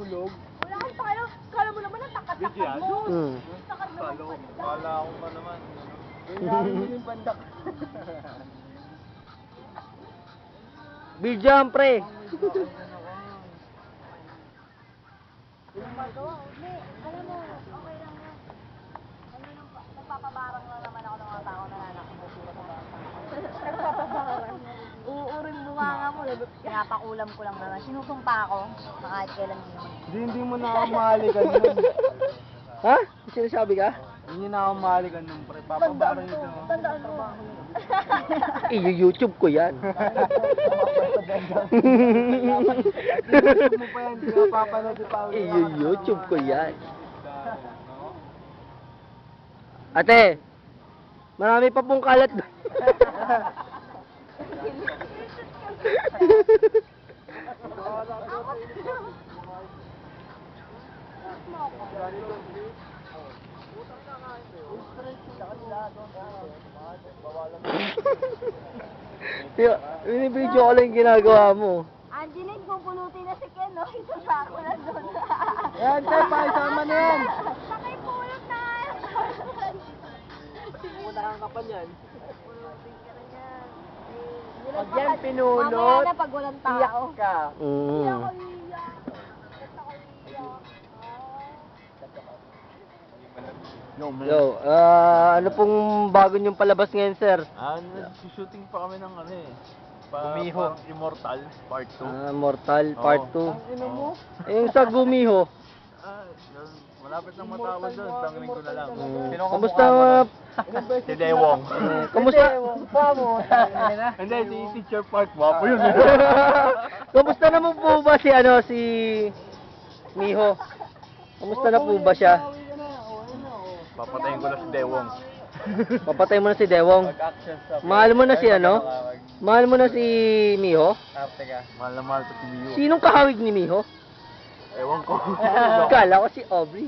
Tulog. Wala kang pakalo. Kala mo naman ang takat-takat mo. Takat mo ng pandak. Kala ko pa naman. Kailangan mo yung pandak. Bidyam, pre. Hindi, alam mo, okay lang yan. Ano lang, nagpapabarang lang naman ako ng mga tao na nanakbo. Nagpapabarang. Uuring bunganga mo. Pinapakulam ko lang naman. Sinusumpa ako na kahit kailan din naman. Hindi mo na ako mahalikan nun. Ha? Sinasabi ka? Hindi na ako mahalikan nun, pre. Papabara yun. Tandaan mo. I-YouTube ko yan. YouTube mo pa yan, hindi ka papanood pa. I-YouTube ko yan. Ate, marami pa pong kalat doon. Binibidyo ko lang yung ginagawa mo. Angeline, pupulutin na si Ken, no? Isasako na doon. Yan, Tay, pakisama na yan. Pakipulot na! Punakang ka pa niyan. Pulutin ka na yan. Pag yan pinulot, mamaya na pag walang tao. Iyak ka. Hindi ako iiyak. Ba't ako iiyak? Yo, ano pong bago niyong palabas ngayon, sir? Nag-shooting pa kami ng ano eh. Gumiho. Parang Immortal, part 2. Mortal Part 2. Ino mo? Yung sa Gumiho. Malapit nang matawag doon, tanggalin ko na lang. Kamusta? Si Dewong. Kamusta? Hindi, si Teacher Park, wapo yun. Kamusta naman po ba si si Miho? Kamusta na po ba siya? Papatayin ko na si Dewong. Papatay mo na si Dewong. Mahal mo na si Mahal mo na si Miho? Mahal na mahal ko si Miyo. Sinong kahawig ni Miho? Ewan ko. Kala ko si Aubrey.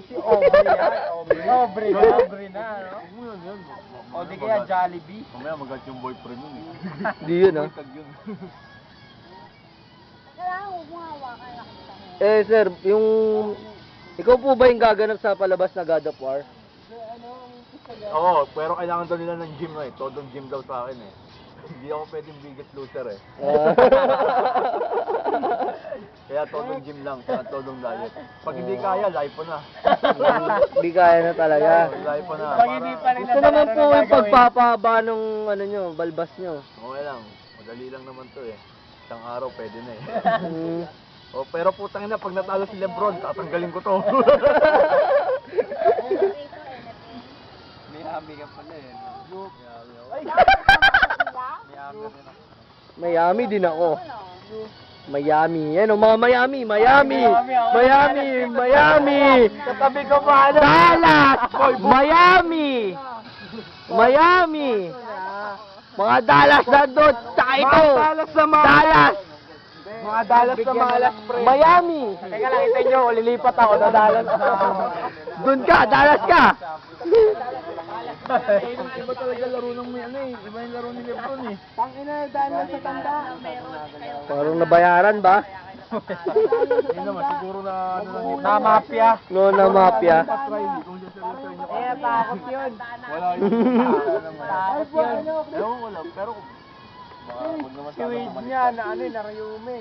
Aubrey na, no? Yun. O di kaya Jollibee. Mamaya magat yung boyfriend yun eh. Di yun, ah. Tag yun. Kailangan huwag mo hawakan lang kita mo. Sir, yung... Ikaw po ba yung gaganap sa palabas na God of War? Oo, pero kailangan daw nila ng gym eh. Todong gym daw sa akin eh. Hindi ako pwedeng biggest loser eh. Kaya todong gym lang, kaya todong diet. Pag hindi kaya, live po na. Hindi kaya na talaga. Live po na. Pag hindi pa rin Gusto naman po yung pagpapahaba nung balbas nyo. Okay lang, madali lang naman to eh. Isang araw pwede na eh. Mm. Oh, pero putang ina, pag natalo si Lebron, tatanggalin ko to. May hami ka pala eh. Miami din ako. Miami. Yan o, mga Miami. Miami. Katabi ko pa, Dallas. Miami. Mga Dallas na doon. Tsaka ito. Dallas. Mga Dallas na malas, pre. Miami. Teka lang, ito nyo, lilipat ako na Dallas. Doon ka. Dallas ka. Iba talaga laro ng may ano eh. Iba yung laro ni Lebron eh. Tangina, Dallas sa tanda. Parang nabayaran ba? Hindi naman, siguro na ano lang yun. Na mafia. No, na mafia. Kung siya seryoso nyo. Takot yun. Wala yun. Takot yun. Ewan ko lang, pero huwag naman Si Wade niya na ano eh, narayume.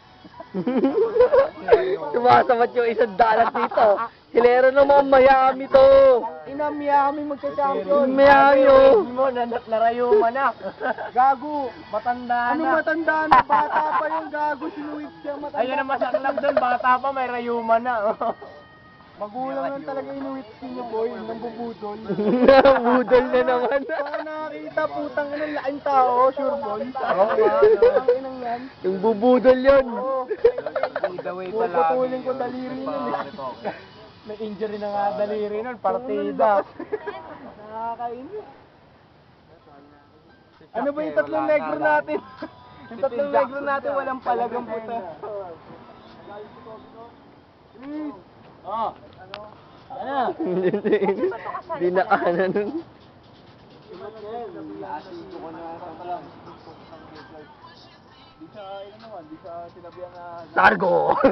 Sumasabat yung isang Dallas dito. Hilero naman Miami to. Ina Miami magka-champion. Miami oh. Mo narayuma na. Gago, matanda na. Ano matanda na? Bata pa yung gago, sinuwit siya matanda. Ayun ang masaklap doon, bata pa may rayuma na. Magulang lang talaga inuwit niyo boy, nang bubudol. Budol na naman. Baka nakakita, putang ina, laking tao, sure boy. Oo nga, ang inang yan. Yung bubudol yun. Puputulin ko daliri nun eh. May injury na nga daliri nun, partida. Nakakainis. Ano ba yung tatlong negro natin? Yung tatlong negro natin walang palagang puta. Oh. Ano? Di na ana nun. Di sa, ano naman, di sa sinabihan na Targo!